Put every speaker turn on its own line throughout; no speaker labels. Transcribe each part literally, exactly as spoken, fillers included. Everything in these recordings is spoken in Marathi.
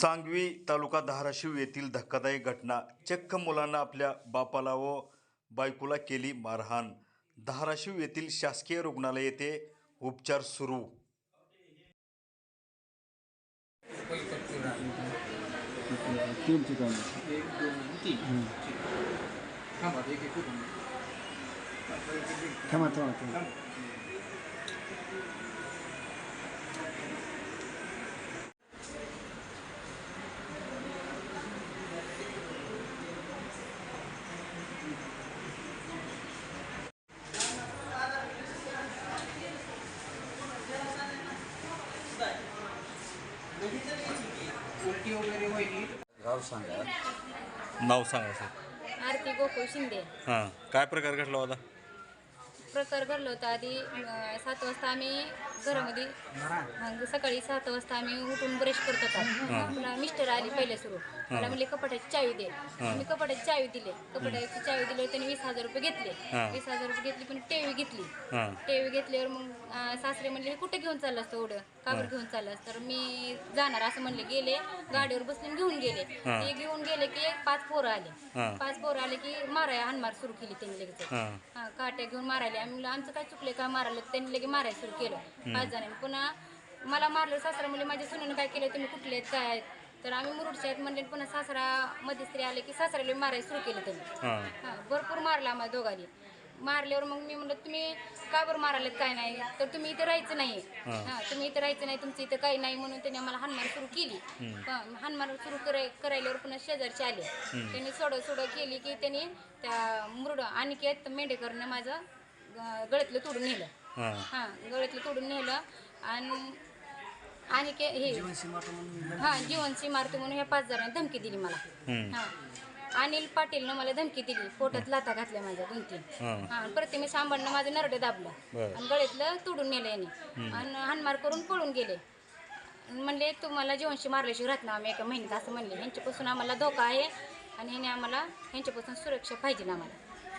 सांगवी तालुका धाराशिव येथील धक्कादायक घटना. चक्क मुलांना आपल्या बापाला व बायकोला केली मारहाण. धाराशिव येथील शासकीय रुग्णालय येथे उपचार सुरू.
तीन ठिकाणी
एक दोन तीन थांबा एक एक करून
थांबा थांबा थांबा
उलटी वगैरे व्हायची.
गाव सांगा.
नाव सांगा सर.
आरती गोकुळ शिंदे.
हां, काय प्रकार घडला होता?
प्रकार घडला होता आधी अं, सात वाजता आम्ही घरामध्ये मग सकाळी सात वाजता आम्ही उठून ब्रश करत होता. पुन्हा मिस्टर आली पहिले सुरू मला म्हणले कपाटाची चावी दे. मी कपाटाची चावी दिले. कपाटाची चावी दिल्यावर त्यांनी वीस हजार रुपये घेतले. वीस हजार रुपये घेतली पण टेवी घेतली. टेवी घेतल्यावर मग अं, सासरे म्हणले कुठे घेऊन चाललास तो एवढं काबर घेऊन चाललास तर मी जाणार असं म्हणले. गेले गाडीवर बसले घेऊन गेले. ते घेऊन गेले की पाच पोरं आले. पाच पोरं आले की मारायला हानमार सुरू केली त्यांनी लगेच. हा काट्या घेऊन मारायला. आम्ही आमचं काय चुकले का मारायला त्यांनी लगेच मारायला सुरू केलं पाच जणांनी. पुन्हा मला मारलं सासरा म्हणले माझ्या सुनेनं काय केलं तुम्ही कुठले आहेत काय आहेत तर आम्ही मुरुडच्या आहेत म्हणले. पुन्हा सासरा मध्यस्त्री आले की सासऱ्याला मारायला सुरू केलं त्यांनी. हां भरपूर मारला आम्हाला दोघांनी. मारल्यावर मग मी म्हणलं तुम्ही का बरं मारायला काय नाही तर तुम्ही इथं राहायचं नाही. हां तुम्ही इथं राहायचं नाही तुमचं इथं काही नाही म्हणून त्यांनी आम्हाला हानमार सुरू केली. हानमार सुरू कराय करायल्यावर पुन्हा शेजारचे आले. त्यांनी सोडं सोडं केली की त्यांनी त्या मुरड अनिकेत मेंढेकरनं माझं गळ्यातलं तोडून नेलं. हां गळ्यातलं तोडून नेलं आणि आणि के हे हां जीवनसी मारतो म्हणून ह्या पाच जणांनी धमकी दिली मला. हां अनिल पाटीलनं मला धमकी दिली. पोटात लाथा घातल्या माझ्या दोन तीन. हां प्रतिमेश आंबांना माझं नरडं दाबलं आणि गळ्यातलं तोडून नेलं याने आणि हानमार करून पळून गेले. म्हणले तुम्हाला जीवनशी मारल्याशिवाय राहत ना आम्ही एका महिन्यात असं म्हणले. ह्यांच्यापासून आम्हाला धोका आहे आणि ह्याने आम्हाला ह्यांच्यापासून सुरक्षा पाहिजे आम्हाला.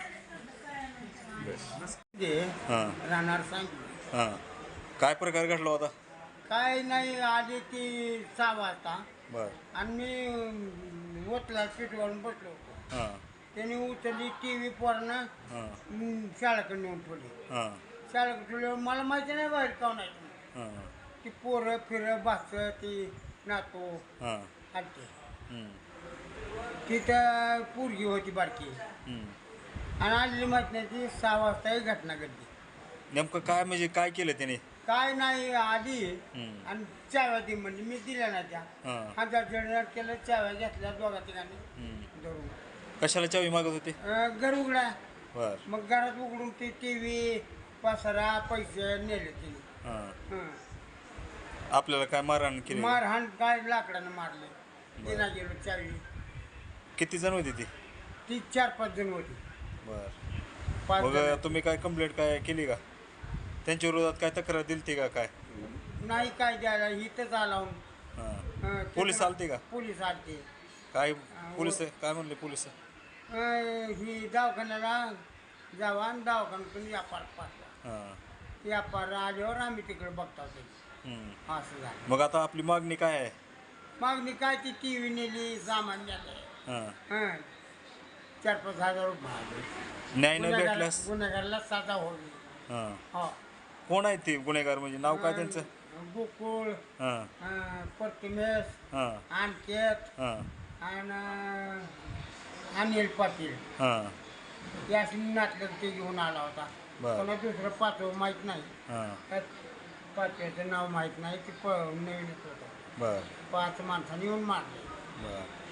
राहणार सांग.
हां, काय प्रकार घडला होता?
काय नाही आधी ती सहा वाजता
बर.
आणि मी ओतला सीटवरून बसलो होतो.
हां
त्याने उचलली टी व्ही पोरणं
हां
शाळेकडे नेऊन ठेवली.
हां
शाळेकडे ठेवल्यावर मला माहिती नाही बाहेर काऊन आहे
हां
ती पोरं फिरं भास ती नातो
हां
आलते.
हं,
तिथं पोरगी होती बारकी
हं.
आणि आलेली माहिती नाही ती सहा वाजता ही घटना घडली.
नेमकं काय म्हणजे काय केलं त्याने?
काय नाही आधी
हं.
आणि चाव्या ती म्हणजे मी दिल्या ना त्या
हां
हजार जण केलं चाव्या घेतल्या दोघा ठिकाणी
हं.
धरून
कशाला चावी मागत होते?
अं, घर उघडा.
बर.
मग घरात उघडून ती टी व्ही पसारा पैसे नेले तिने.
हां,
हं.
आपल्याला काय मारहाण केली?
मारहाण काय लाकडानं मारले. तिला गेलो चावी.
किती जण होती ती?
ती चार पाच जण होती.
बर.
पाच
मग
जण.
तुम्ही काय कंप्लेंट काय केली का? त्यांच्या विरोधात काय तक्रार दिली का काय?
नाही काय द्यायला इथंच आला हून.
हां,
हं,
पोलीस
तिथं-
आलते का?
पोलीस आलते.
काय पोलीस काय म्हणले पोलीस?
अं, ही दवाखान्याला जावा आणि दवाखान्यातून व्यापार पाठवा.
हां,
व्यापार आल्यावर आम्ही तिकडे बघता होते.
हं.
असं झालं.
मग आता आपली मागणी काय आहे?
मागणी काय ती टी व्ही नेली सामान नेलं.
हां,
हं. चार पाच हजार रुपये आले.
न्याय न
गुन्हेगार-
भेटल्यास?
गुन्हेगारला सजा होईल.
हां,
हो
कोण आहेत ते गुन्हेगार म्हणजे नाव काय त्यांचं?
अं, गोकुळ
हां
अं, प्रतिमेश
हां
अनिकेत
हां
आणि अनिल पाटील
हां
याशी नाटक ते घेऊन आला होता.
बरं.
कोणा दुसरं पाचवं माहीत नाही.
हां
त्यात पाचव्याचं नाव माहीत नाही. ते प नवीनच होतं.
बर
पाच माणसांनी येऊन मारले.
बर.